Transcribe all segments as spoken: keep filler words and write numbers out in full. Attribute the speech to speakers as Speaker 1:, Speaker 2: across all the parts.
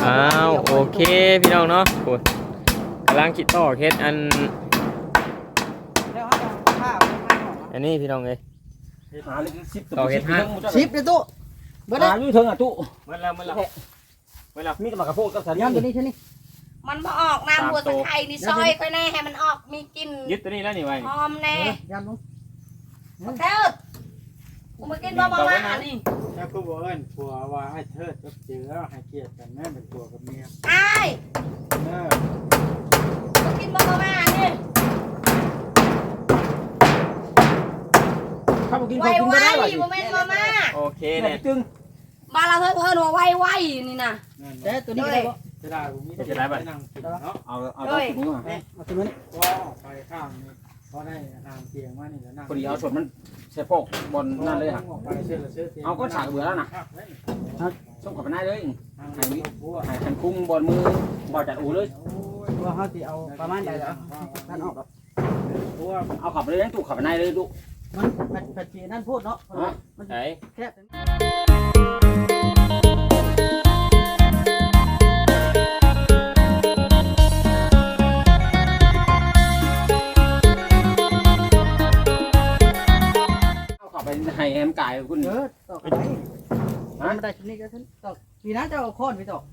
Speaker 1: อ้าวโอเคพี่น้องเนาะโอ้ยกำลังคิดต่อเคสอันอันนี้พี่น้องเลยต่อเคสห้า
Speaker 2: ชิปเลยตู้เบิด
Speaker 3: หาอยู่เถิงอ่ะตู้
Speaker 1: เมื่อแล้วเมื่อแล้วเมื่อแล้ว
Speaker 3: มีกระบะกระโพดกับสาลี
Speaker 2: ย่ำตัวนี้ใช่ไหม
Speaker 4: มันมาออกน้ำบัวตะไคร้นี่ซอยค่อยแน่ให้มันออกมีกลิ่น
Speaker 1: ยึดตัวนี้แล้วนี่ไว้
Speaker 4: หอมแน่
Speaker 2: ย่ำลง
Speaker 4: เทิดกูมากินบ่มามานี่
Speaker 5: ถ้ากูบอกเอิ้นผัวว่าให้เทิดกับเจือให้เกียรติกันแม่เป็นผัวกับเมีย
Speaker 4: ไอ้
Speaker 5: เออ
Speaker 4: มากินบ่มามานี่
Speaker 3: ข้าวกิน
Speaker 4: ไว
Speaker 3: ข้าวกิน
Speaker 4: ไว
Speaker 3: ไม่ได้หรอ
Speaker 4: บ่แม่นมามา
Speaker 1: โอเค
Speaker 3: เนี่
Speaker 1: เนี่ย ย
Speaker 3: จึง
Speaker 4: บ้านเราเพิ่นเพิ่นว่าไวไวนี่นะ
Speaker 5: นั่น
Speaker 2: แต่ตัวนี้ก็ได้บ่
Speaker 5: จะได้กูมีแต่ไปนั่งกินเนาะ
Speaker 3: เอาเอาตัวนี้มา
Speaker 2: เอาตัวนี้
Speaker 5: ก็ออกไปข้างนี้พอได้นางเตียงมานี่แล้วนั่ง
Speaker 3: พอดีเอาส่วนมันเสียโปกบนนั่นเลยฮะ
Speaker 5: ออกไปเสื้อละเสื้อเตียง
Speaker 3: เอาก็ฉากเบื่อแล้วนะ
Speaker 5: ครับ
Speaker 3: ส่งกับมันได้เลย
Speaker 5: ทางนี้ผัว
Speaker 3: หายคันคุ้งบนมือบอจัดอูเลย
Speaker 5: โอ้ย
Speaker 2: ว่าเขาสิเอาประมาณใดแล้วท่านออกกับ
Speaker 5: ผัว
Speaker 3: เอาขับไปเลยตู้ขับไปได้เลยตู้
Speaker 2: มันผัดชีนั่นพูดเนาะมัน
Speaker 1: ไหน
Speaker 2: แค่
Speaker 3: เอาขับไปให้แฮมกายคุณ
Speaker 2: เออตอกไปมันได้ชุดนี้ก็ท่านตอกปีนั้นจะเอาค้อนไปตอก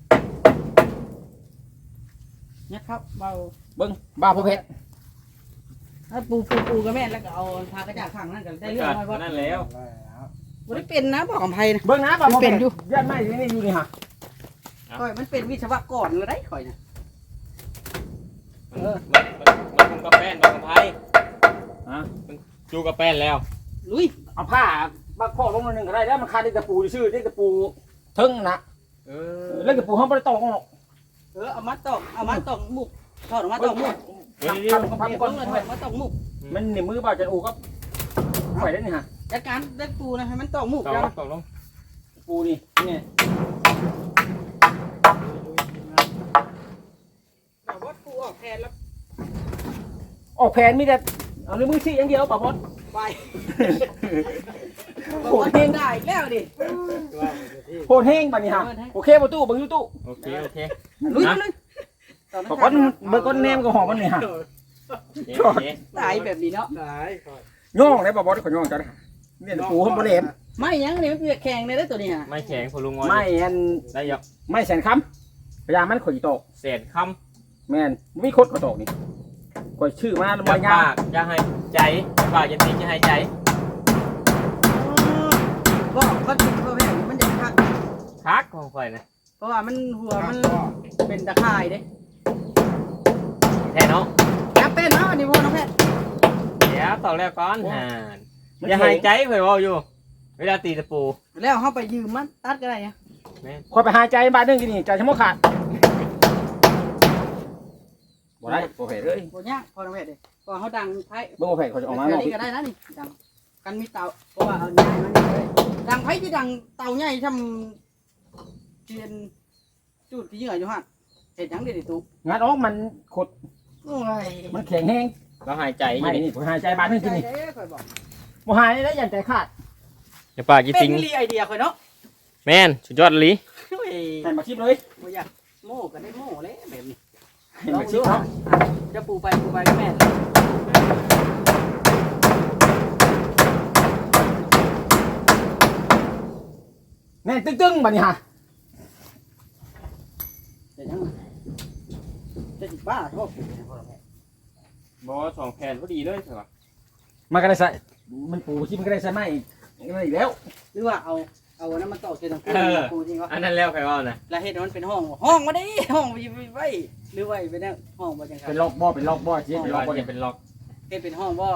Speaker 2: เนี่ยครับเบา
Speaker 3: เบิ้งบ้าพ่อเพชร
Speaker 2: ถ้าปูปูปูก็แม่แล้วก็เอาพากระจาดข้างนั่นก็ได้เรื่องน้อยว่า
Speaker 1: นั่นแล้ว
Speaker 2: บ่ได้เป็นนะบอกกับไผนะ
Speaker 3: เบิ้งนะบ้าพ่อเพชรยัดไม่นี่อยู่นี่ฮะ
Speaker 2: ข่อยมันเป็นวิศวกรแล้วได้ข่อยนะ
Speaker 1: มันมันมันคุมกับแป้นกับไพ่
Speaker 3: ฮะ
Speaker 1: จูกับแป้นแล้ว
Speaker 2: ลุย
Speaker 3: เอาผ้าบ้าข้อลงมาหนึ่งก็ได้แล้วมันคาได้ตะปูชื่อได้ตะปูทึ่งนะ
Speaker 1: เออ
Speaker 3: เล่นตะปูห้องไม่ได้ตอกหรอก
Speaker 2: เออเอามาตอกเอามาตอกมุกถอดออกมาตอกมุก
Speaker 3: ทำทำ
Speaker 2: พั
Speaker 3: ทำ
Speaker 2: บ
Speaker 3: ก่อน
Speaker 2: เลยถอดมาตอกมุก
Speaker 3: มันในมือบ้าจัดอูก็ปล่อยได้นี่ฮะ
Speaker 2: จัดการเล็กปูนะให้มันตอกมุก
Speaker 1: ต่อ
Speaker 2: ยัง
Speaker 1: ต่อลง
Speaker 3: ปูนี่เนี่ย
Speaker 2: แต่ว่าปูออกแทนแล้ว
Speaker 3: ออกแผนมีแต่เอาในมือชี้อย่างเดียวป่ะพอด
Speaker 2: ไปโหดเองได้อีกแล้วดิ
Speaker 3: โหดแห้งป่ะนี่ฮะโอเคประตูบังยูตู้
Speaker 1: โอเคโอเค
Speaker 2: ลุยมาเลย
Speaker 3: ป่ะพอดเบอร์ก้อนแนมก็หอมมันนี่ฮะ
Speaker 1: โอเค
Speaker 2: ตายแบบนี้เนาะ
Speaker 5: หลายก่อน
Speaker 3: ย่องได้ป่ะพอดขอย่องจังเนี่ยปูห้องบริเวณ
Speaker 2: ไม่ยังนี่มันเปียกแข็งเลยนะตัวนี้ฮะ
Speaker 1: ไม่แข็งพลุงงอ
Speaker 3: ไม่อัน
Speaker 1: ได้ยก
Speaker 3: ไม่แสนคำพยามันข่อยโต
Speaker 1: เศษค
Speaker 3: แมนไม่คดข่อยโตนี่ข่อยชื่อมา
Speaker 1: ำ
Speaker 3: บ่
Speaker 1: จะ
Speaker 3: ยา
Speaker 1: ปากจะให้ใจปากจะตีจะให้ใจ
Speaker 2: บอกก็ติดเพราะแม่มันจะคัก
Speaker 1: คักของข่อยนะ
Speaker 2: เพราะว่ามันหัวมันเป็นตะข่ายเด้
Speaker 1: แท้เนาะ
Speaker 2: จับเป็นเนาะอันนี้พ่อน้องแพทย์
Speaker 1: เดี๋ยวต่อแล้วก่อนห่านอย่าหายใจข่อยว่าอยู่ เวลาตีตะปู
Speaker 2: แล้วเขาไปยืมมันตัดก็ได้อะ
Speaker 3: ข่อยไปหายใจบาดนึงกินนี่ใจชะโมกขาดบ่ได้บ่เผ็ดเลย
Speaker 2: โอ้ยากพ่อน้องแพทย์เด้พอเขาดังไพ่
Speaker 3: เบิ่งบ่เผ็ดข่อยจะออกมา
Speaker 2: แบ
Speaker 3: เนาะ
Speaker 2: บนี้ก็ได้นะนี่ดังกันมีเตาเพราะว่าเอาใหญ่มันนี่เลยดังไพ่ที่ดังเตาใหญ่ทำเทียนจุดที่เหยื่ออยู่ฮะเห็ดหยังเด็ดตุ๊ก
Speaker 3: งานออกมันขด
Speaker 2: โอ้ย
Speaker 3: มันแข็งแห้ง
Speaker 1: เราหายใจอ
Speaker 3: ไม่
Speaker 1: ยู่นี่
Speaker 3: นี่ข่อยหายใจบาดนึงกินนี่
Speaker 2: ใจเด้อข่อยบอก
Speaker 3: บ่หายได้ยันใจขาด
Speaker 1: อย่าปากจะ
Speaker 2: เป็น
Speaker 1: ติง
Speaker 2: รีไอเดียข่อยเนาะ
Speaker 1: แม่นสุดยอดลี
Speaker 2: โอ้ย
Speaker 3: ใส่มาชิมเลย
Speaker 2: บ่อยากโม่ก็ได้โม่เลยแบบนี้
Speaker 3: เห็นมาชิมเนาะ
Speaker 2: จะปูไปปูไปก็แม่น
Speaker 3: แน่นตึ้งๆบัดนี้ฮะ
Speaker 2: เห็ดหยังจะสิบ้าชอบปูเนี่ยพ่อน้องแพทย์
Speaker 1: บอสองแผ่นพอดีเลยใช่ปะ
Speaker 3: มันก็ได้ใส่มันปูชิมก็ได้ใส่ไม้อีกอีกแล้ว
Speaker 2: หรือว่าเอาเอาอันนั้นมาต่อเส้นตรงปูปูจริงวะ
Speaker 1: อันนั้นแล้วใครว่านะ
Speaker 2: แล้วเฮ็ดให้มันเป็นห้องห้องมาดิห้องไปไว้หรือไว้เป็นแนวห้องบ่จังครับ
Speaker 3: เป็นล็อกบ่อเป็นล็อกบ่อชิมเป็นล็อกบ่อ
Speaker 1: จะเป็นล็อก
Speaker 2: เฮ็ดเป็นห้องบ่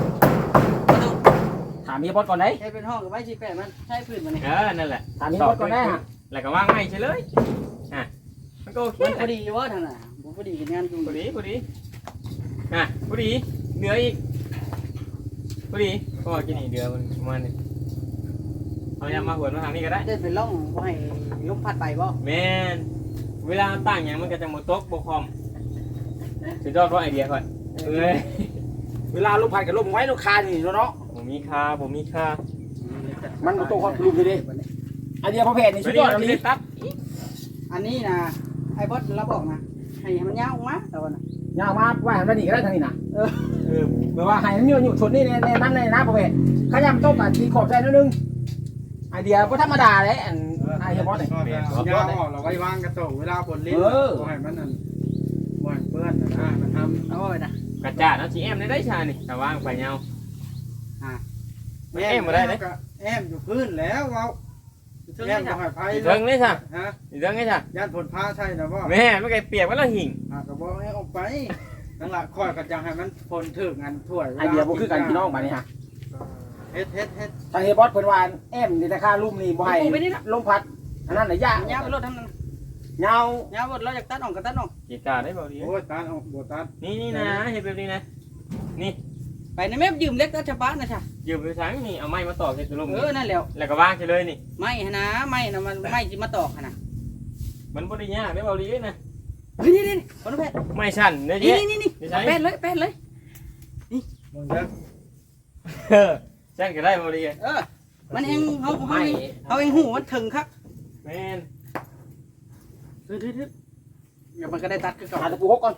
Speaker 3: ถามเมียบอสก่อนได้
Speaker 2: เฮ็ดเป็นห้องก็ไว้สิแปะมันใช้พื้นมันนี่
Speaker 1: เออนั่นแหละ
Speaker 3: ถามเมียบอสก่อนได้ฮะ
Speaker 1: แล้วก็ว่างไม่ใช่เลยอ่ะมันก็โอเค
Speaker 2: มันพอดีอยู่ว่าทางน่ะบ่พอดีกับงานอยู่
Speaker 1: พอดีพอดีอ่ะพอดีเหนืออีกพอดีเพราะว่ากินอีกเดือมันประมาณนี้เอายามาหัวมาทางนี้ก็ได้
Speaker 2: ได้เป็นร่องบ่ให้ลมพัดไปบ่
Speaker 1: แมนเวลาตั้งอย่างมันก็จะหมดตกบกคอมสุดยอดเพราะไอเดียก่อนเอ้ย
Speaker 3: เวลาลมพัดกับลมไว้ลูกคานี่เนาะ
Speaker 1: ผมมีค่าผมมีค่า
Speaker 3: มันตัวความลุมดีดิอันเดียวพอเพจนี่
Speaker 1: ไม่
Speaker 3: สุด
Speaker 1: ได้
Speaker 3: ยอด
Speaker 1: ไม่
Speaker 3: เล
Speaker 1: ได้
Speaker 3: ย
Speaker 1: ตัด
Speaker 2: อันนี้นะไอ้บอสเราบอกนะให้มันยาวออกมาแต่ว่าน่ะ
Speaker 3: ยาวมาไว้ให้มันดีก็ได้ทางนี้นะ
Speaker 2: เออ
Speaker 3: เออแปลว่าให้มันอยู่อยู่ชนนี่ในในนั้นในนะพ่อแม่ขยำต้มอ่ะทีขอบใจนิดนึงไอเดียก็ธรรมดาเลยอันไอเฮียบอสเนี่ย
Speaker 5: เอายาวออกเราไว้วางกระโตกเวลาฝนลิ้นบ่ให้มันนั่นบ่ให้เปื้อนนะมันทำ
Speaker 2: เอาไว้นะ
Speaker 1: กระจาดเนาะสิแอมได้ได้ชานี่ถ้าว่างไปยาว
Speaker 5: แอมอยู่พื้นแล้วเว้าแอมบ่ให้ไผ
Speaker 1: เทิงเลยซะ
Speaker 5: ฮะ
Speaker 1: สิเทิงเลยซะ
Speaker 5: ย่านฝนพาใช่นะบ่
Speaker 1: แม่ไม่ไกลเปียกไว้แล้วหิ่ง
Speaker 5: อ่ะก็บอกให้ออกไปนั่นล่ะคอยก็จะให้มันฝนถึงอันถ้วย
Speaker 3: ไอเดียบ่คือกันพี่น้องมานี่ฮะ
Speaker 5: เฮ็ดเฮ็ดเฮ็ด
Speaker 3: ทางเฮียบอสเพิ่นว่าแอมนี่แต่ค่าลุ่มนี่บ่ให้ลมพัดอันนั้นน่ะยาก
Speaker 2: ยาวไปรถทำนั้น
Speaker 3: ยาว
Speaker 2: ยาวรถเราอยากตัดออกก็ตัดออก
Speaker 1: กีตาร์ได้บ่ดี
Speaker 5: โอ้ยตาออกบ่ตา
Speaker 1: นี่นี่นะเฮ็ดแบบนี้นะนี่
Speaker 2: ไปในแม่ยืมเล็กตัดชะบ้านนะจ๊ะ
Speaker 1: ยืมไปทางนี่เอาไม้มาต่อเฮ็ดลม
Speaker 2: เออนั่นแหละ
Speaker 1: แล้วก็วางเลยนี่
Speaker 2: ไม่นะไม่นะมันไม่จิมาตอกนะ
Speaker 1: มันบ่ได้ยากได้บ่ดีนะ
Speaker 2: เฮ้ยนี่นี่คนแพทย์
Speaker 1: ไม่สั่นเด้
Speaker 2: นี่
Speaker 1: เจ๊
Speaker 2: นี่นี่แพทย์เลยแพทย์เลย
Speaker 5: มึงเด้อ
Speaker 1: เออสั่นก็ได้บ่ดี
Speaker 2: เออมันเองเขาเขาเองเขาเองหูมันถึงครับ
Speaker 1: แม่น
Speaker 2: เฮ้ยเฮ้ยเฮ้ยเดี๋ยวมันก็ได้ตัดคือก่อน
Speaker 3: หาตะปูหกก่อน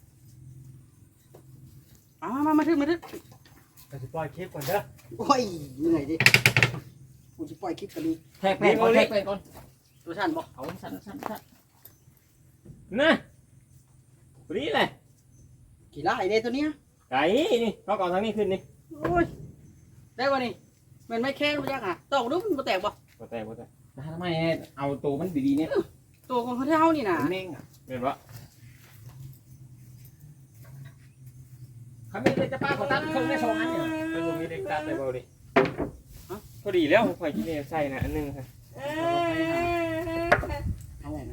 Speaker 2: มามามาถึงมาถึง
Speaker 5: ก็สิปล่อยคลิปก่อนเด้อ
Speaker 2: โอ้ยเหนื่อยดิกูจะปล่อยคลิปกันดี
Speaker 3: แทกแป้งก่อนแทกแป้งก่อน
Speaker 2: ตัวฉันบอก
Speaker 3: เอาสั้นสั้นสั้น
Speaker 1: นะบ่ดีเลย
Speaker 2: กี่ไร่เด้ตัวเนี้ย
Speaker 1: ไก่นี่เขาก่อนทางนี้ขึ้นนี่
Speaker 2: โอ้ยได้ป่ะนี่มันไม่แค่รู้จักอ่ะตอกดูมันแตกป่ะ
Speaker 1: บ่แตกบ่แตก
Speaker 3: ทำไมเอาตัวมันดีๆเนี่ย
Speaker 2: ตัวของเขาเท่านี่นะ
Speaker 3: เม่งอ่ะ
Speaker 1: แม่นบ่
Speaker 3: เขาไม่เคยจะป้าขอตั้งเครื่องได้สองอันเนี่ย
Speaker 1: มันบ่มีเด็กตัดได้บ่ดีพอดีแล้วข่อยกินเองใส่น่ะอันนึงค่ะ
Speaker 2: เอาไงนะ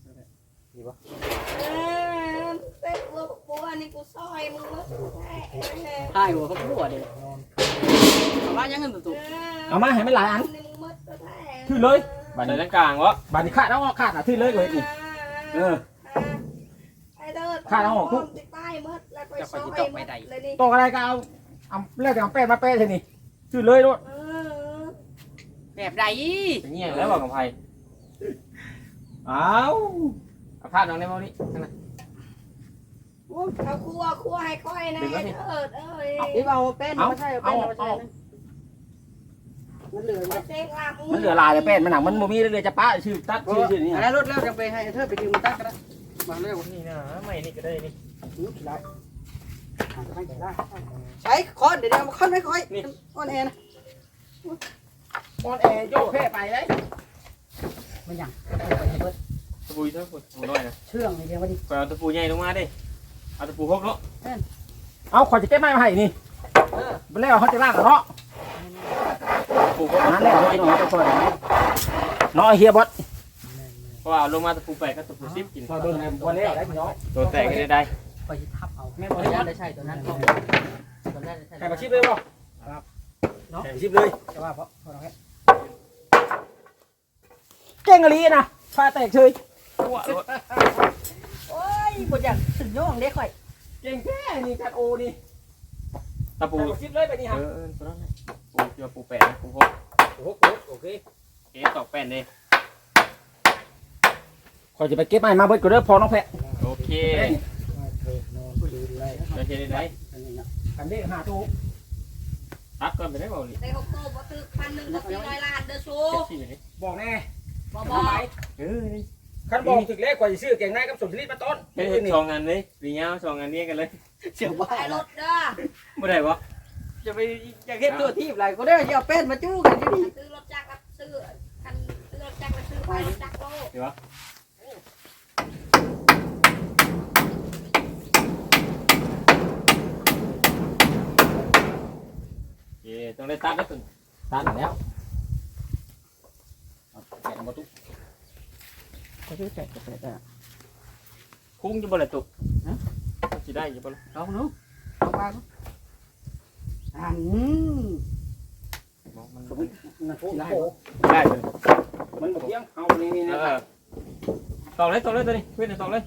Speaker 4: เป็นวัวปัวนี่กูซอยมึงแล้วแท้
Speaker 2: ใช่หัวเขาพูดเด็กเอามายังเงินตัว
Speaker 3: เอามาให้มันหลายอัน
Speaker 4: นี่มึงมัดตัวแท้
Speaker 3: ขึ้นเลย
Speaker 1: บัดใส่ทางกลางวะ
Speaker 3: บาดนี้ขาดแล้วขาดอ่ะขึ้นเลยเลยนี่เออ
Speaker 4: ไอ้เด้อ
Speaker 3: ข้าเอาออกทุก
Speaker 4: ติดใต้มัดแล้วไปซอยมัดเลยนี่
Speaker 3: ตกอะไรก็เอาเอาเลือกเอาแป้งมาแป้งเท่านี้ขึ้นเลยด้วย
Speaker 4: เออ
Speaker 2: แบบใด
Speaker 1: เป็นเงี้ยแล้วบอกกับไผ
Speaker 3: เอา
Speaker 1: เอาพาดน้องได้บ่นี่นั่นน่ะ
Speaker 4: เขาคั่วคั่วให้ค่อยนะเถิดเอ้ย
Speaker 2: นี่เอาแป้นมาใช่เอาแป้นมาใช่มันเหลือ
Speaker 4: มาเจ๊งลา
Speaker 3: มันเหลือลายแต่แป้งมันหนังมันโมมีเลยจะป้าชื่อตัดชื่อชื่อนี่
Speaker 2: อะไรรถแล้วจะไปให้เธอไปยืมตัดก็ได้มาเร็ว
Speaker 1: นี่นะไม่นี่ก็ได้นี่
Speaker 2: ได้ใช้คอนเดี๋ยวมาคอนไม่ค่อยคอนแอร์นะ
Speaker 3: ออนแอร์โยกแค่ไปเลย
Speaker 2: มันยัง
Speaker 1: ตะปูเท่าฝุ่นน้อยนะ
Speaker 2: เชื่องนี่เดียวมาดิ
Speaker 1: ไปเอาตะปูใหญ่ลงมาดิเอาตะปูหกเนาะ
Speaker 3: เอาขอจะแก้ไม้มาให้นี่มันแล้วเขาจะลากเนาะ
Speaker 1: ตะปูหก
Speaker 3: นั่นแหละเขาจะหน่อยจะช่วยเนาะเฮียบอส
Speaker 1: เพราะว่าเอาลงมาตะปูแปดก็ตะปูสิบกิน
Speaker 3: พอโดนวันแล้วได้พี่น้อง
Speaker 1: ตัวแตกก็ได้ได้
Speaker 2: ไปทับเอาแม่บริยาได้ใช่ตัวนั้นตัวนั้นใช่
Speaker 3: ใครมาชิบเลยบ่เนาะชิบเลย
Speaker 2: จะว่าเพราะเพราะเราแค่
Speaker 3: เก่งอะไรนะฟ้าแตกเฉย
Speaker 1: ตัวรถ
Speaker 2: โอ้ยบทอย่างถึงโยงเด็กค่อย
Speaker 3: เก่งแค่นี่จัดโอนี่
Speaker 1: ตะปู
Speaker 3: ชิบเลยไปนี่
Speaker 1: เอ
Speaker 3: ฮะ
Speaker 1: อเออตัวนั้นแหละปูเจอปูแปดปูหก
Speaker 3: โอ้โหโอเค
Speaker 1: เอ๊ะตอกแป้นเลย
Speaker 3: ขอจะไปเก็บไม้มาเบิดก็เด้อพอน้องแพะ
Speaker 1: โอเคโอเคได้ได้
Speaker 3: กันเด้หาตู้
Speaker 1: ตัดก่อนไปได้บ่นี่
Speaker 4: ได้หกโตบ่ตึกพันหนึ่งก็สี่ร้อยล้านเด้อชู
Speaker 1: เจ็ดสิบเลย
Speaker 3: บอกแน่
Speaker 4: บ่บอก
Speaker 1: เออนี่
Speaker 3: คันบอกถึงเลขกว่าจะซื้อเก่งนายกับสมชลิดมาต้น
Speaker 1: เฮ็ดสองงานเลยปีเงาสองงานนี้กันเลย
Speaker 2: เสียบ้า
Speaker 4: ไอ้รถเด้อ
Speaker 1: บ่ได้บ่
Speaker 2: จะไปอยากเห็นตัวทีบอะไรก็ได้จะเอาเป็นมาจู้กันที่นี่
Speaker 4: ซื้อรถจักรรับซื้อคันซื้อรถจักรรับซื้อไปรถจักรโล
Speaker 1: เดี๋ยวเอ๊ต้องได้ตัดแล้วตึง
Speaker 3: ตัดแล้วแกะมาตุ๊ก
Speaker 2: ก็ชื่อแจกจะเป็นอ่ะ
Speaker 1: คุ้งจะบ่ละตุกฮะสิได้อยู่บ่ล่ะ
Speaker 2: เอาเนาะเอาไปอัน
Speaker 1: มัน
Speaker 3: สมมตินะโอ้โห
Speaker 1: ได้เลย
Speaker 3: มันบอกยังเอานี่นี่
Speaker 1: เอ
Speaker 3: นะ
Speaker 1: อตอกเลยตอกเลยตัวนี้เพื่อนตอกเลย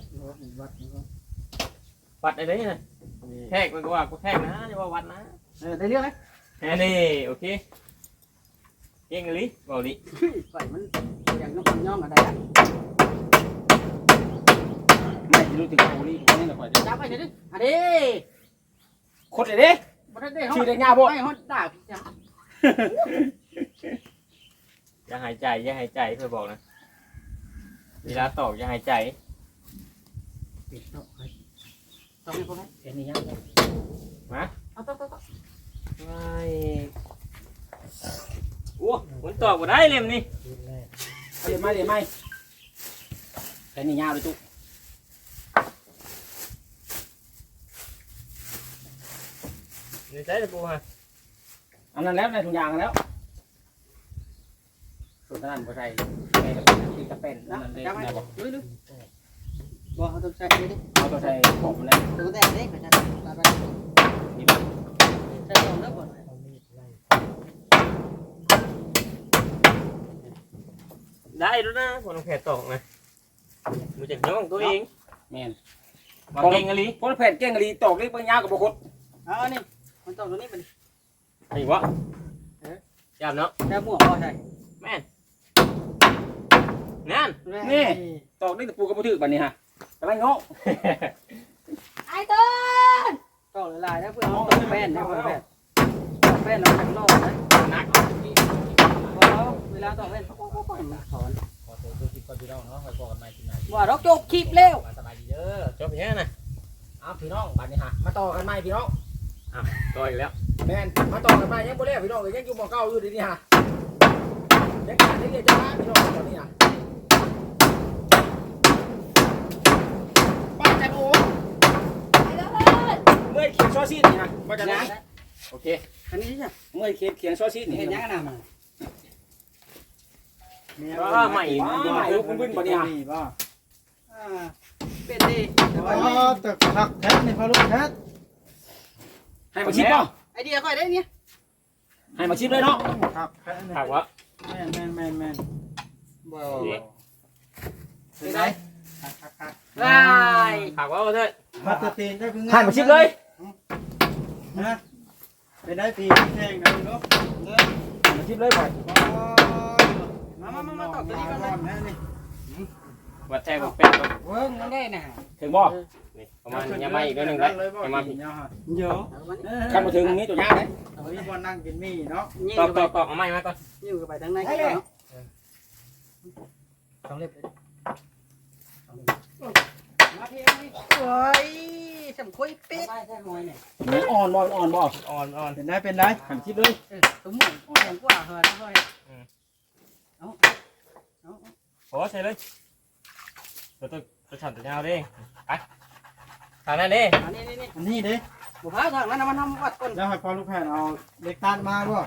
Speaker 1: วัดอะไรนี่นะแทกมันก็ว่ากูแทกนะอย่าว่าวัดนะ
Speaker 2: เออได้เรื่องไหม
Speaker 1: แค่นี้โอเคเก่งเลยบอกดิ
Speaker 2: ปล่อยมันอย่างน้องย่องอะไรอ่ะ
Speaker 3: รู้ถึงโอ้นี่นี่น่ะข่อยสิ
Speaker 2: จับไปเด้ออันนี้
Speaker 3: โคตรเลยเด้
Speaker 2: บ่ได้ได้เฮา
Speaker 3: ชื่อได้ยาวบ่
Speaker 2: ไม่เฮาด่าพี่จัง
Speaker 1: อย่าหายใจอย่าหายใจเพื่อบอกนะเวลาตอกอย่าหายใจ
Speaker 2: ปิดต้องให้ต้องให้พวกนั้น
Speaker 3: เอ็นนี่ยัง
Speaker 2: เอาต้องต้องต้อง
Speaker 1: ไม่โอ้มันตอกบ่ได้เล่มนี่
Speaker 3: เดี๋ยวไม่เดี๋ยวไม่เอ็นนี่ยาวเลยตุ๊
Speaker 1: นี่ใช่ตะปูฮะ
Speaker 3: อันนั้นแล้วในถุงยางแล้วส่วนนั้นบ่ใส่ในกระติกกระเป็นนั่
Speaker 2: นะ
Speaker 3: นเลย
Speaker 2: จับไป
Speaker 3: นะบ่
Speaker 2: ลุยลุยบ่เอาต้องใส่ดิ
Speaker 3: เอาตัวใส่ของมันเลย
Speaker 2: ตัวแตกเด้ก็จะตัดไป
Speaker 3: นี่บ่
Speaker 2: ใส่ตรงเด้อบ่
Speaker 1: ได้แล้วนะคนแผลตอกนะมันจะย่องตัวเอง
Speaker 3: แม่น
Speaker 1: วางเก่งอะไร
Speaker 3: คนแผ่นเก่งกะลีตอกเล็กเบิ่งยาวกับบ่คด
Speaker 2: เอานี่มันต้องตัวนี้เป็น
Speaker 1: ไอ้วะจับเนาะ
Speaker 2: แต่หมวกบ่ใช่
Speaker 1: แม่นนั่น
Speaker 3: นี่ตอกเล็กตะปูกับบ่ถือบัดนี้ฮะกำลังเงาะ
Speaker 4: ไอ้ต้น
Speaker 2: ต้องหลายๆนะเพื่อเอาตัวแป้นนะเพื่อนแป้นแป้นเราจังรอดนะ
Speaker 1: นัก
Speaker 2: พอเวลาต้องแป้นปุ๊บปุ๊บปุ๊บถอน
Speaker 3: ขอตัวคลิปก่อนพี่น้องเนาะไว้พอกันใหม่ที่ไหน
Speaker 2: ว่าเราจบคลิปเร็ว
Speaker 3: สบายดีเด้อ
Speaker 1: จบอย่างนี้นะ
Speaker 3: เอาพี่น้องบัดนี้ฮะมาต่อกันใหม่พี่น้อง
Speaker 1: ต่ออีกแล้ว
Speaker 3: แม่นมาต่อกันใหม่ยังบ่แล้วพี่น้องยังอยู่บ่เก่าอยู่เดี๋ยวนี้ฮะยังการเรียนจะมาพี่น้องตอนนี้ฮะบ้านจันโอ
Speaker 4: ไอ้ต้น
Speaker 3: เมื่อยเขียนซอซีดนี่ฮะบ้านจันโอโอเค
Speaker 2: อันนี้ใช่
Speaker 3: เมื่อยเขียนเขียนซอซีดนี่
Speaker 2: เห็น
Speaker 3: เห็น
Speaker 2: ยั
Speaker 3: ยัง ง
Speaker 2: ไงนะมัน
Speaker 1: ก็ใหม่
Speaker 3: ใหม่ลูกบึ้นบ่เนี่ย
Speaker 5: บ่
Speaker 2: อ่าเป็นดีแต่
Speaker 5: อ๋
Speaker 2: ว่า
Speaker 5: อตึกผักแท้นี่พอลูกแท้
Speaker 3: ให้มาชิมป่ะ
Speaker 2: ไอเดียค่อยได้เนี่ย
Speaker 3: ให้มาชิมเลยเนาะ
Speaker 5: ผักแท้นี่
Speaker 1: ถามว่า
Speaker 5: แม่นแม่นแม่นแม่น
Speaker 2: บ่
Speaker 5: เป็นไงผักผักผัก
Speaker 2: ลาย
Speaker 1: ถามว่าเถิด
Speaker 5: ผักตะตีนได้เพิ่ง
Speaker 3: ให้มาชิมเลย
Speaker 5: นะเป็นได้ตีแข่งกันเนาะเด้อ
Speaker 3: ให้มาชิมเลยก่อน
Speaker 2: มามามามาตอบตัวนี้ก่อน
Speaker 5: ก่อน
Speaker 2: นะ
Speaker 5: นะนี่
Speaker 1: วัดแทงเป็น
Speaker 2: เวิ้งมันได้น่ะ
Speaker 3: ถึงบ่
Speaker 1: นี่ประมาณยังไม่อีกนิดนึงเลยยังมาผิด
Speaker 5: เนาะ
Speaker 2: เยอะ
Speaker 3: คันมาถึงนี้ตัวยากเลย
Speaker 5: เอาไว้บ่นั่งกินมี่เนาะ
Speaker 2: ยิ่ง
Speaker 1: ตอก
Speaker 2: ไป
Speaker 1: ตอกตอกเอาไม้มาก่อน
Speaker 2: ยิ่งไปทางในก็เนาะสองเล็บเลยมาเพียงนี่โอ้ยสำคุยเป็ดใช่หอยเนี่ย
Speaker 3: มันอ่อนบ่อ่อนบ่
Speaker 1: อ่อนอ่อน
Speaker 5: เป็นได้เป็นได้
Speaker 3: ให้มาชิมเลย
Speaker 2: เออตุ้มหมูอย่างกว่าเหรอนะค่อยเอาเอา
Speaker 1: โอ้ใช่เลยตัวตัวตัวฉันตัวยาวดิไปทางนั้นดิ
Speaker 2: อันนี้นี่นี่
Speaker 5: อันนี้เด้
Speaker 2: บุพาทางนั้นมันทำวัดก่อน
Speaker 5: แล้วให้พอลูกแผ่นเอาเล็กตัดมาบ่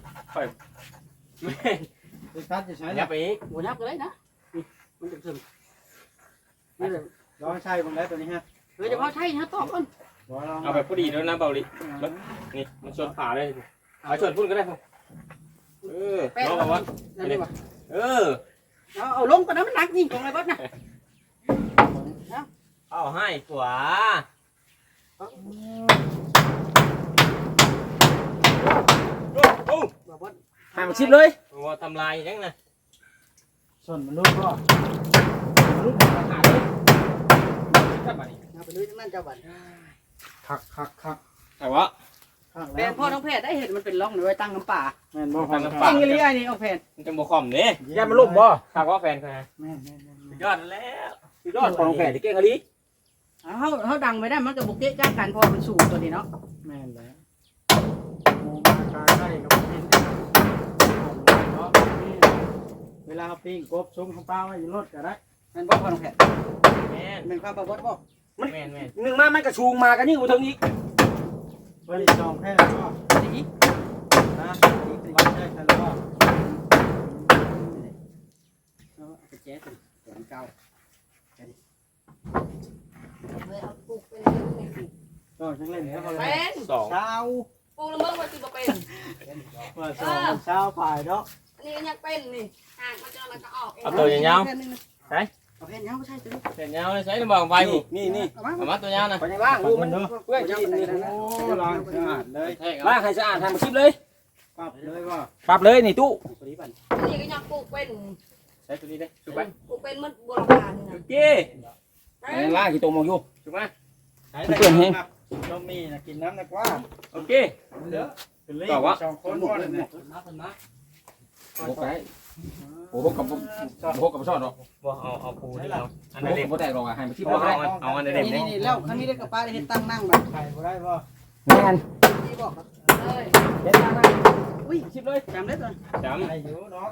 Speaker 5: เล็กตัดจะใช้
Speaker 1: อ
Speaker 5: แล้
Speaker 1: ย่าว ไปอีก
Speaker 2: บุยับก็ได้นะนี่มันจะซึมนี่เลย
Speaker 5: ลองใช้บางแล้วตัวนี้ฮะ
Speaker 2: เฮ้ยเดี๋ยวเขาใช่ฮะตอบก่อน
Speaker 5: ลอง
Speaker 1: เอาแบบพอดีแล้วนะเบาลินี่มันชนขาเลยเอาชนพุ่นก็ได้พ่อเออ
Speaker 2: แป้ง
Speaker 1: ลองเอาวะ
Speaker 2: นั่นดีกว่า
Speaker 1: เออ
Speaker 2: เอาเอาลงก่อนนะมันหนักนี่ตรงไหนบ้างนะ
Speaker 1: เอาให้ขวาโอ้
Speaker 2: บอกว่า
Speaker 3: ให้มาชิมเลย
Speaker 1: โหทำลายยังนะ
Speaker 5: ส่วนมันลูกก็
Speaker 3: ลูกมาหาเลยจับมานี่
Speaker 2: เอาไปลุยทั้งนั้นเจ้าบัตร
Speaker 5: คักคักคัก
Speaker 1: แต่ว่า
Speaker 5: คัก
Speaker 2: แผ
Speaker 5: แล้ว
Speaker 2: นพ่อน้องแพทย์ได้เห็นมันเป็นร่องเลยตั้งน้ำป่า
Speaker 5: แม่นบ่
Speaker 1: ตั้งน้ำ
Speaker 2: จ
Speaker 1: ปลา
Speaker 2: ริงหรือไงนี่เอาแผน
Speaker 1: มันจะโมคอมเนี่ย
Speaker 3: อย่ามาลุ่มบ่
Speaker 1: ถามว่าแฟนเขาไง
Speaker 5: แม่นแม่นแม่นแม่น
Speaker 1: ยอดแล้ว
Speaker 3: สุดยอดของแผ่นที่เก่งอะลี
Speaker 2: เขาเขาดังไม่ได้มันกับบุกเกะจ้ากันพอมันสูงตัวนี้เนาะ
Speaker 5: แม่นแล้วหมูมากาไก่กับกินเนาะเวลาเขาปิ้งกบซุ้มของป้าไว้อยู่รถก็ได้
Speaker 2: นั่นบอกพ่อน้องแพทย์
Speaker 1: แม่น
Speaker 2: เป็นความประวัติบอก
Speaker 1: แม่นแม่น
Speaker 3: หนึ่งมามันกระชูงมากันยิ่งกว่าเทิงอีก
Speaker 5: บริจองแค่แล้วก็
Speaker 2: นี่
Speaker 5: นะวัดได้แค่แล้วก็
Speaker 2: เอาไปแจ๊สตัวเก่า
Speaker 4: เลยเอาปลูกเป็น
Speaker 5: ก็ช่างเล่นแล้วก็
Speaker 4: เป็น
Speaker 1: สอง
Speaker 5: เช้า
Speaker 4: ปลูกแล้วมึงมาสิบ่เป็น
Speaker 5: ว่าสองเช้าฝ่ายเนาะ
Speaker 4: อันนี้ยังเป็นนี่ห่างมันจะแล้วก็ออกเอง
Speaker 1: เอาตัวยาว
Speaker 2: เอาแผ่นยาวไม่ใช่ตัวนี้
Speaker 1: ๆเสร็จยาวเลยใช้ลำบากไปนี่
Speaker 3: นี่นี่
Speaker 2: เอามา
Speaker 1: เอามาตัวยาวนะ
Speaker 3: ไปยังล่างลูกมันเพื่อกินนี่
Speaker 5: โอ้ล้างสะอาดเลย
Speaker 1: ใช่ค
Speaker 3: ล่า
Speaker 1: รั
Speaker 3: งให้สะอาดให้มาชิมเลย
Speaker 5: ปรับเลยว่า
Speaker 3: ปรับเลยนี่ตู้
Speaker 2: ตัวนี้บัน
Speaker 4: อันนี้ก็ยังปลูกเป็น
Speaker 1: ใช้ตัวนี้ได้ถูกไหม
Speaker 4: ปลูกเป็นมันโบราณนี่
Speaker 1: โอ
Speaker 4: นะ
Speaker 1: เค
Speaker 4: ไป
Speaker 3: ยังล่ากี่ตัวมองอยู่
Speaker 1: ถูกไหม
Speaker 3: เพื่อนเฮง
Speaker 5: ต้องมีนะกินน้ำนะกว่า
Speaker 1: โอเค
Speaker 5: เหลือเป็นเลขสองคนบ่เลยเนี่ย
Speaker 3: โอ้ไปโอ้โหกับโอ้โหกับชอดหรอก
Speaker 1: บ่เอาเอาปูนี่เอาอัน
Speaker 3: โอ้
Speaker 1: นั้น
Speaker 3: โห
Speaker 1: เด็ก
Speaker 3: กับแตกหรอกอ่ะให้มาที่
Speaker 1: บ่
Speaker 3: บ่
Speaker 1: เอา
Speaker 3: ได้
Speaker 1: เอาอันนั้น
Speaker 2: นี่
Speaker 1: เด็ก
Speaker 2: นี่แล้วคันนี้ได้กับป้าได้เฮ็ดตั้งนั่งแบบ
Speaker 5: ไข่บ่ได้บ่
Speaker 3: แม่น
Speaker 2: ที่บอกครับ
Speaker 4: เลย
Speaker 3: เด็ดมาก
Speaker 2: อุ้ยชิบเลยจำได้ตัว
Speaker 1: จำ
Speaker 5: ไข่อยู่เนาะ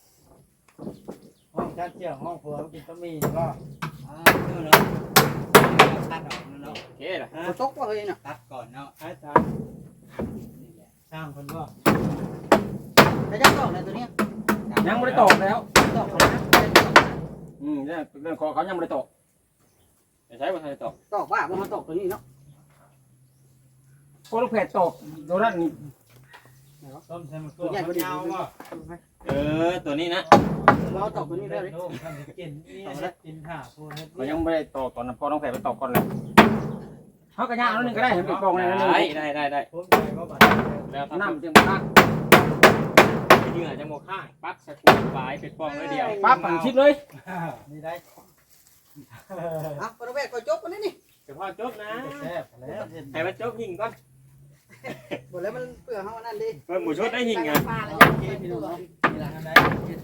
Speaker 5: ห้องจัดเจียวห้องครัวกินต้องมีก็
Speaker 2: อ่าเนาะตัดออกเนาะ
Speaker 1: โอเคล่ะ
Speaker 2: บ่ตกว่าเฮ้ยน่ะ
Speaker 5: ตัดก่อนเนาะไอ้ตาช่างคนก็
Speaker 2: แต่จะตอกในตัวเนี้ย
Speaker 3: ยังไม่ได้ตอกแล้ว
Speaker 2: ตอกนะ
Speaker 3: อืมเนี่ยเรื่องคอเขายังไม่ได้ตอก
Speaker 1: จะใช้บ่ทันได้ตอก
Speaker 2: ตอกว่าบ่มาตอกตัวนี้เนาะ
Speaker 3: โคลูกแพดตอกโดนนั่นนี่
Speaker 5: ต้มใส่มะกรูดมะนาวบ่
Speaker 1: เออตัวนี้นะ
Speaker 2: เราตอกตัวนี้ได้เลย
Speaker 5: โอ้ทำกินนี่กินห่าพูดให้
Speaker 3: เขายังไม่ได้ตอกตอนนั้นพอน้องแพดไปตอกก่อนเลยเขากระยางแล้วนึงก็ได้เห็นเป็นกองเลยนั่น
Speaker 1: ได้
Speaker 3: นึง
Speaker 1: ได้ได้ได้
Speaker 5: ผมใจก็บาด
Speaker 1: แล้วถ้า
Speaker 3: น้ำจึงมาตั้ง
Speaker 1: เหงื่อจะโมข้างปั๊บสกูปลายเป็นป้องเลยเดียว
Speaker 3: ปั๊บปั่นชิดเลย
Speaker 5: นี่ได้
Speaker 2: อ่ะประเวทก็จบกันนี่นี่
Speaker 1: เฉพาะจบนะ
Speaker 5: แซ่บแล้ว
Speaker 1: ให้มันจบยิงก่อน
Speaker 2: บ่แล้วมันเปื่อเฮานั่นดิ
Speaker 1: เพิ่มหมูชุดได้ยิงไง
Speaker 4: ปลาแล้ว
Speaker 2: โอเคพี่น้องเนาะนี่ล่ะ
Speaker 5: ได้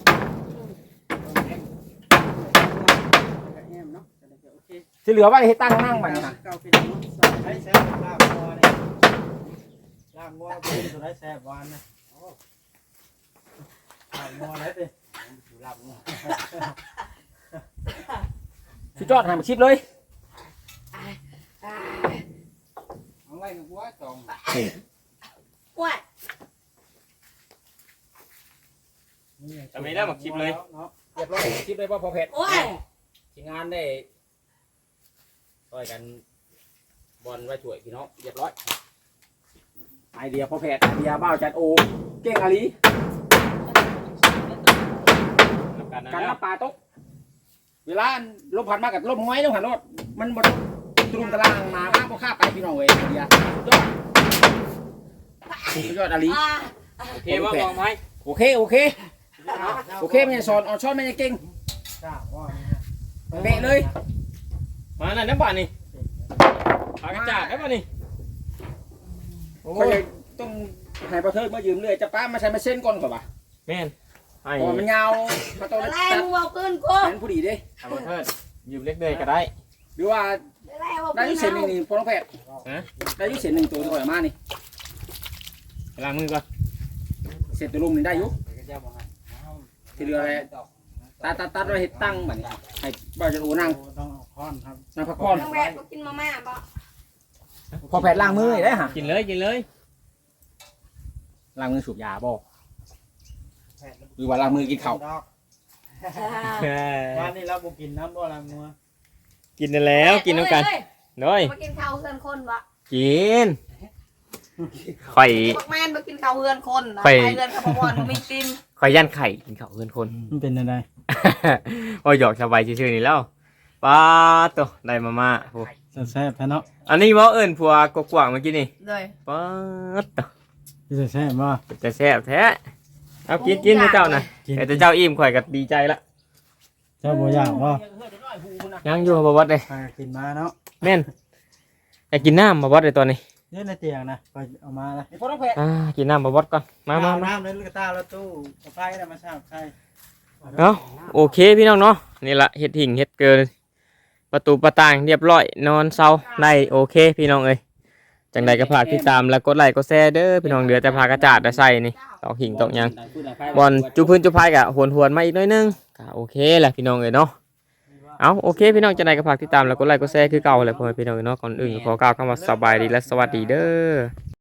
Speaker 2: แอมเนาะโอเค
Speaker 3: ที่เหลือไว้ให้ตั้งนั่งไปนะ
Speaker 2: เก่าพี่น้อง
Speaker 5: ให้แซ่บลาบงัวนี่ลาบงัวเป็นตัวได้แซ่บหวานนะลาบงัวได้ดิลาบงัว
Speaker 3: ชิดจอดให้มาชิดเลย
Speaker 5: เอาไว้กับวัวสอง
Speaker 4: ว้าย
Speaker 1: จะไม่ได้หมักชิปเลย
Speaker 3: เรียบร้อยชิดเลยว่าพอแพด
Speaker 4: โอ้ย
Speaker 3: ทีมงานได้ช่วยกันบอลไว้ช่วยพี่น้องเรียบร้อยไอเดียพอแพทย์ไอเดียบ้าวจัดโอเก่งอาลี
Speaker 1: กันนะ
Speaker 3: การนับปลาตกเวลาลมพัดมากับลมห้อยลมหันรถมันบดตรุมตารางมามากพอข้าไปพี่น้องเว้ยไอเดียยอดสุดยอดอาลี
Speaker 4: อ่า
Speaker 1: โอเคว่ามองไหม
Speaker 3: โอเคโอเคโอเคไม่ใช่สอนออนช้อนไม่ใช่เก่ง
Speaker 5: ทราบว่า
Speaker 3: เป๊ะเลย
Speaker 1: มาหน่อยน้ำบานนี่ปากกระจาดได้ป่ะนี่โอ้
Speaker 3: เขา
Speaker 1: ย
Speaker 3: จะต้องให้ประเทิดมายืมเลยจะป้ามาใช้มาเส้นก่อนก่อนปะ
Speaker 1: แม่นไอ้
Speaker 3: เพราะมันยาวเขาต้อง
Speaker 4: อะไร
Speaker 3: ตัด
Speaker 4: มึงเอาขึ้นกู
Speaker 3: แทนผู้ดีเด้
Speaker 1: เอาเพิ่นยืมเล็กเลยก็ได้
Speaker 3: หรือว่า
Speaker 4: อะไรเอา
Speaker 3: ได้อยุเส้นหนึ่งนี่พอน้องแพทย์ได้อยุเส้นหนึ่งตัวตัวมานี่
Speaker 1: ล้างมือก่อน
Speaker 3: เส้นตัวลุมนี่ได้อยุ
Speaker 5: ก็จะบอกให้
Speaker 3: ที่เหลืออะไรตัดตัดตัดไว้ให้ตั้งแบบนี้ให้บ่าวจะโอนั่ง
Speaker 5: ต้องค้อนครับ
Speaker 3: นั่งพักผ่อน
Speaker 4: น้องแวดก็กินมาม่าบ่
Speaker 3: พอแพทย์ล้างมือได้ฮะ
Speaker 1: กินเลยกินเลย
Speaker 3: ล้างมือสูบยาบ่หรือว่าล้างมือกินข้าว
Speaker 5: วันนี้เราบุกินน้ำบ่ละงัว
Speaker 1: กินแล้วกินน้ำกันด้วย
Speaker 4: มากินข้าวเฮือนคนบ่
Speaker 1: กินข่อย
Speaker 4: พวกแม่นมากินข้าวเฮือนคนนะ
Speaker 1: ไป
Speaker 4: ไปเฮือนข้าวบอนมีกิน
Speaker 1: ข่อยย่านไข่กินข้าวเพื่อนคน
Speaker 5: มันเป็นอะไร
Speaker 1: โอ้ยหยอกสบายชื่อๆนี่แล้วป้าตัวได้มาม่าโอ้
Speaker 5: แซ่บแท้เนาะ
Speaker 1: อันนี้ว่าเอิญผัวกกว่างเมื่อกี้นี่
Speaker 4: เลย
Speaker 1: ป้าตัว
Speaker 5: จะแซ่บบ่
Speaker 1: จะแซ่บแท้เอากินกินให้เจ้านะแต่เจ้าอิ่มข่อยก็ดีใจละ
Speaker 5: เจ้าบ่อยากบ่
Speaker 1: ยังอยู่บ่วัดเลย
Speaker 5: พากินมาเนาะ
Speaker 1: แม่นอยากกินน้ำบ่วัดเลยตอนนี้
Speaker 5: นี่ในเตียงนะไปเอามาละ
Speaker 3: พอน้องแพทย์
Speaker 1: อ่ากินน้ำบ่วัดก่อนมามามา
Speaker 5: น้ำในลูกตาแล้วตู้เอาไฟได้มาชาบไข่
Speaker 1: เอาโอเคพี่น้องเนาะนี่ละเฮ็ดหิ่งเฮ็ดเกินประตูประต่างเรียบร้อยนอนเซาได้โอเคพี่น้องเอ้ยจังใดก็ฝากติดตามแล้วกดไลค์กดแชร์เด้อพี่น้องเหลือแต่พากระจาดได้ใส่นี่ตอกหิ่งตอกหยังบอลจุพื้นจุพายกะหวนหวนๆมาอีกหน้อยนึงก็โอเคแหละพี่น้องเอ้ยเนาะเอาโอเคพี่น้องจังใดก็ฝากติดตามแล้วกดไลค์กดแชร์คือเก่าแหละพ่อแม่พี่น้องเอ้ยเนาะก่อนอื่นขอกล่าวคำว่าสบายดีและสวัสดีเด้อ